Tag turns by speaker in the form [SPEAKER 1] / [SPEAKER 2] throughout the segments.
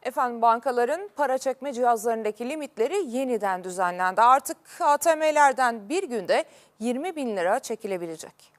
[SPEAKER 1] Efendim bankaların para çekme cihazlarındaki limitleri yeniden düzenlendi. Artık ATM'lerden bir günde 20 bin lira çekilebilecek.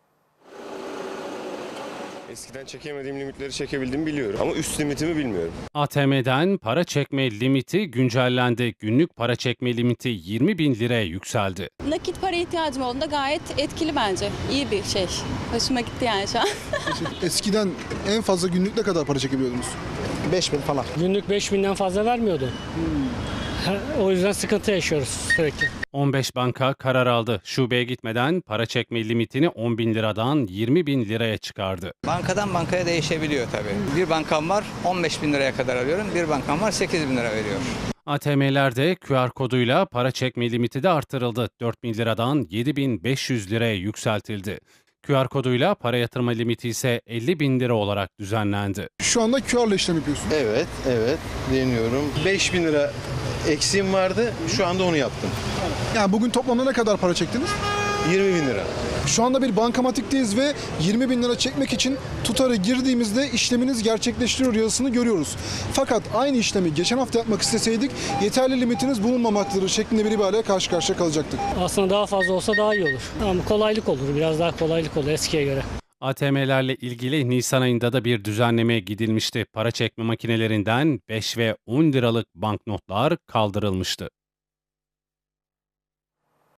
[SPEAKER 2] Eskiden çekemediğim limitleri çekebildiğimi biliyorum ama üst limitimi bilmiyorum.
[SPEAKER 3] ATM'den para çekme limiti güncellendi. Günlük para çekme limiti 20 bin liraya yükseldi.
[SPEAKER 4] Nakit para ihtiyacım olduğunda gayet etkili bence. İyi bir şey. Hoşuma gitti yani şu an.
[SPEAKER 5] Eskiden en fazla günlük ne kadar para çekebiliyordunuz?
[SPEAKER 6] 5.000 falan.
[SPEAKER 7] Günlük 5.000'den fazla vermiyordu. O yüzden sıkıntı yaşıyoruz sürekli.
[SPEAKER 3] 15 banka karar aldı. Şubeye gitmeden para çekme limitini 10 bin liradan 20 bin liraya çıkardı.
[SPEAKER 6] Bankadan bankaya değişebiliyor tabii. Bir bankam var 15 bin liraya kadar alıyorum. Bir bankam var 8 bin lira veriyor.
[SPEAKER 3] ATM'lerde QR koduyla para çekme limiti de artırıldı. 4 bin liradan 7.500 liraya yükseltildi. QR koduyla para yatırma limiti ise 50 bin lira olarak düzenlendi.
[SPEAKER 5] Şu anda QR ile işlem yapıyorsun.
[SPEAKER 8] Evet deniyorum. 5.000 lira eksiğim vardı, şu anda onu yaptım.
[SPEAKER 5] Yani bugün toplamda ne kadar para çektiniz?
[SPEAKER 8] 20.000 lira.
[SPEAKER 5] Şu anda bir bankamatikteyiz ve 20 bin lira çekmek için tutarı girdiğimizde işleminiz gerçekleştiriyor yazısını görüyoruz. Fakat aynı işlemi geçen hafta yapmak isteseydik yeterli limitiniz bulunmamaktadır şeklinde bir ibareyle karşı karşıya kalacaktık.
[SPEAKER 7] Aslında daha fazla olsa daha iyi olur. Ama kolaylık olur. Biraz daha kolaylık olur eskiye göre.
[SPEAKER 3] ATM'lerle ilgili Nisan ayında da bir düzenlemeye gidilmişti. Para çekme makinelerinden 5 ve 10 liralık banknotlar kaldırılmıştı.